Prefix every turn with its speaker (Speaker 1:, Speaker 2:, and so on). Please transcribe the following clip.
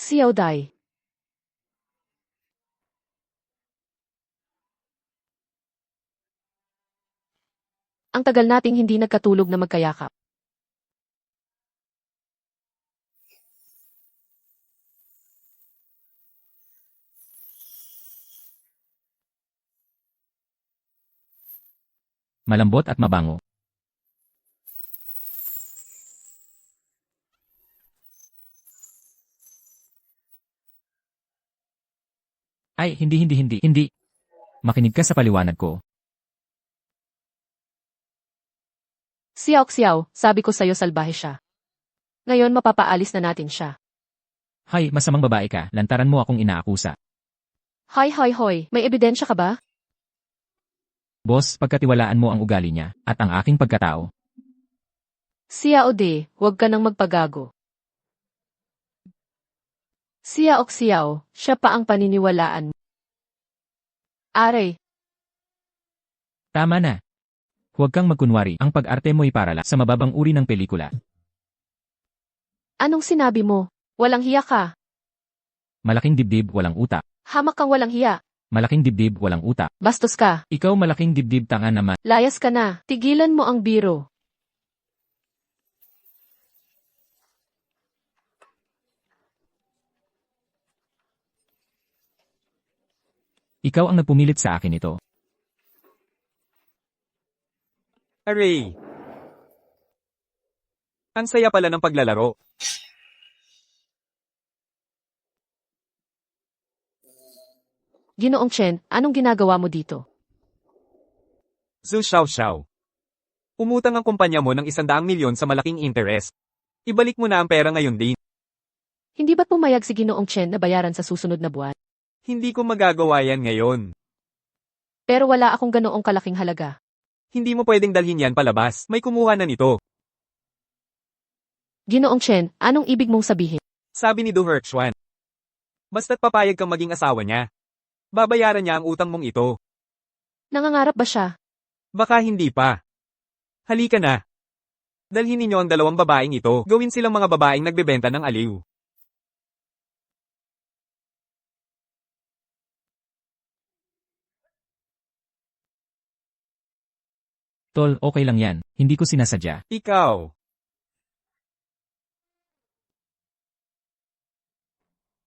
Speaker 1: Xiao Dai. Ang tagal nating hindi nagkatulog na magkayakap.
Speaker 2: Malambot at mabango. Ay, hindi. Makinig ka sa paliwanag ko.
Speaker 1: Xiao, sabi ko sa'yo salbahe siya. Ngayon mapapaalis na natin siya.
Speaker 2: Hay, masamang babae ka, lantaran mo akong inaakusa.
Speaker 1: Hoy, may ebidensya ka ba?
Speaker 2: Boss, pagkatiwalaan mo ang ugali niya, at ang aking pagkatao.
Speaker 1: Xiao De, huwag ka nang magpagago. Xiao, siya pa ang paniniwalaan mo. Are,
Speaker 2: Tama na. Huwag kang magkunwari, ang pag-arte mo'y para sa mababang uri ng pelikula.
Speaker 1: anong sinabi mo? Walang hiya ka.
Speaker 2: Malaking dibdib, walang utak.
Speaker 1: Hamak kang walang hiya.
Speaker 2: Malaking dibdib, walang utak.
Speaker 1: Bastos ka.
Speaker 2: Ikaw malaking dibdib, tanga naman.
Speaker 1: Layas ka na. Tigilan mo ang biro.
Speaker 2: Ikaw ang nagpumilit sa akin ito.
Speaker 3: Aray! Ang saya pala ng paglalaro.
Speaker 1: Ginoong Chen, anong ginagawa mo dito?
Speaker 3: Zhu Xiao. Umutang ang kumpanya mo ng 100 milyon sa malaking interest. Ibalik mo na ang pera ngayon din.
Speaker 1: Hindi ba't pumayag si Ginoong Chen na bayaran sa susunod na buwan?
Speaker 3: Hindi ko magagawa yan ngayon.
Speaker 1: Pero wala akong ganoong kalaking halaga.
Speaker 3: Hindi mo pwedeng dalhin yan palabas. May kumuha na nito.
Speaker 1: Ginoong Chen, anong ibig mong sabihin?
Speaker 3: Sabi ni Du Herxuan. Basta't papayag kang maging asawa niya. Babayaran niya ang utang mong ito.
Speaker 1: Nangangarap ba siya?
Speaker 3: Baka hindi pa. Halika na. Dalhin ninyo ang dalawang babaeng ito. Gawin silang mga babaeng nagbebenta ng aliw.
Speaker 2: Tol, okay lang yan. Hindi ko sinasadya.
Speaker 3: Ikaw.